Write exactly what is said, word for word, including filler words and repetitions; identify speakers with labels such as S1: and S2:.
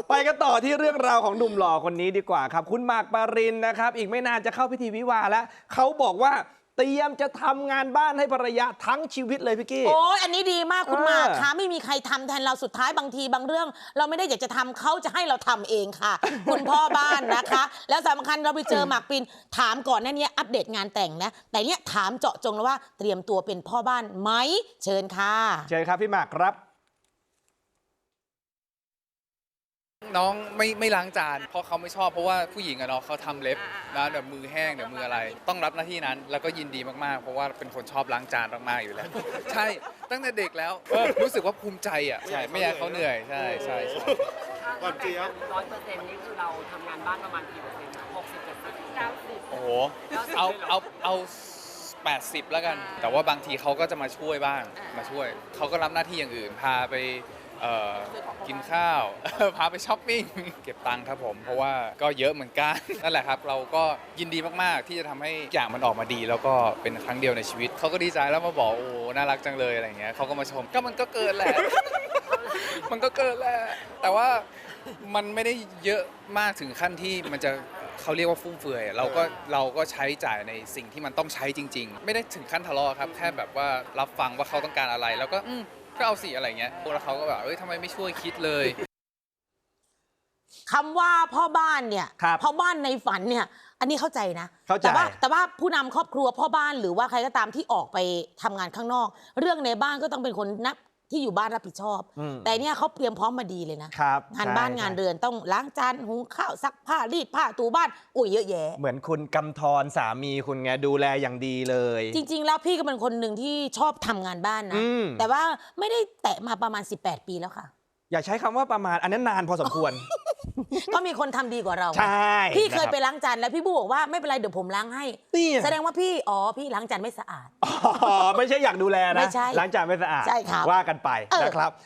S1: ไปกันต่อที่เรื่องราวของหนุ่มหล่อคนนี้ดีกว่าครับคุณหมากปรินนะครับอีกไม่นานจะเข้าพิธีวิวาห์แล้วเขาบอกว่าเตรียมจะทำงานบ้านให้ภรรยาทั้งชีวิตเลยพี่กี้
S2: โอ้ยอันนี้ดีมากคุณหมากคะไม่มีใครทำแทนเราสุดท้ายบางทีบางเรื่อง เราไม่ได้อยากจะทำเขาจะให้เราทำเองค่ะ คุณพ่อบ้านนะคะ แล้วสำคัญเราไปเจอหมากปรินถามก่อนหน้านี้อัปเดตงานแต่งนะแต่เนี้ยถามเจาะจงแล้วว่าเตรียมตัวเป็นพ่อบ้านไหมเชิญค่ะ
S1: เชิญครับพี่หมากครับ
S3: น้องไม่ไม่ล้างจานเพราะเขาไม่ชอบเพราะว่าผู้หญิงอะเนาะเขาทำเล็บนะเดี๋ยวมือแห้งเดี๋ยวมืออะไร ต้องรับหน้าที่นั้นแล้วก็ยินดีมากๆเพราะว่าเป็นคนชอบล้างจานมากๆอยู่แล้ว ใช่ตั้งแต่เด็กแล้วรู้สึกว่าภูมิใจอ่ะใช่ไม่อยากเขาเหนื่อยใช่ใช่ใช่
S4: ก่อนเจี๊ยบร้อยเปอร์เซ็นต์นี่คือเราทำงานบ้านประมาณกี่เปอร์เซ็นต์หกสิบเปอร์เซ็นต์เก้าสิบ
S3: โอ้โหเอาเอาเอาแปดสิบแล้วกันแต่ว่าบางทีเขาก็จะมาช่วยบ้างมาช่วยเขาก็รับหน้าที่อย่างอื่นพาไปกินข้าว พาไปช้อปปิ้งเก็บตังค์ครับผมเพราะว่าก็เยอะเหมือนกัน นั่นแหละครับเราก็ยินดีมากๆที่จะทำให้อย่างมันออกมาดีแล้วก็เป็นครั้งเดียวในชีวิตเขาก็ดีใจแล้วมาบอกโอ้น่ารักจังเลยอะไรเงี้ยเขาก็มาชมก็มันก็เกินแหละ มันก็เกินแหละแต่ว่ามันไม่ได้เยอะมากถึงขั้นที่มันจะเขาเรียกว่าฟุ่มเฟือยเราก็เราก็ใช้จ่ายในสิ่งที่มันต้องใช้จริงๆไม่ได้ถึงขั้นทะเลาะครับแค่แบบว่ารับฟังว่าเขาต้องการอะไรแล้วก็ก็เอาสิอะไรเงี้ยแล้วเขาก็แบบเอ้ยทำไมไม่ช่วยคิดเลย
S2: คำว่าพ่อบ้านเนี่ยพ่อบ้านในฝันเนี่ยอันนี้เข้าใจนะ
S1: แต่
S2: ว่าแต่ว่าผู้นำครอบครัวพ่อบ้านหรือว่าใครก็ตามที่ออกไปทำงานข้างนอกเรื่องในบ้านก็ต้องเป็นคนนับที่อยู่บ้านรับผิดชอบแต่เนี่ยเขาเตรียมพร้อมมาดีเลยนะงานบ้านงานเรือนต้องล้างจานหุงข้าวซักผ้ารีดผ้าถูบ้านอุ้ยเยอะแยะ
S1: เหมือนคุณกำธรสามีคุณไงดูแลอย่างดีเลย
S2: จริงๆแล้วพี่ก็เป็นคนหนึ่งที่ชอบทำงานบ้านนะแต่ว่าไม่ได้แตะมาประมาณสิบแปดปีแล้วค่ะ
S1: อย่าใช้คำว่าประมาณอันนั้นนานพอสมควร
S2: ก็มีคนทำดีกว่าเรา
S1: ใช่
S2: พี่เคยไปล้างจานแล้วพี่บูบอกว่าไม่เป็นไรเดี๋ยวผมล้างให้แสดงว่าพี่อ๋อพี่ล้างจานไม่สะอาด
S1: อ๋อไม่ใช่อยากดูแลนะ
S2: ไม่ใช่
S1: ล้างจานไม่สะอาด
S2: ใช่ครับ
S1: ว่ากันไปนะครับ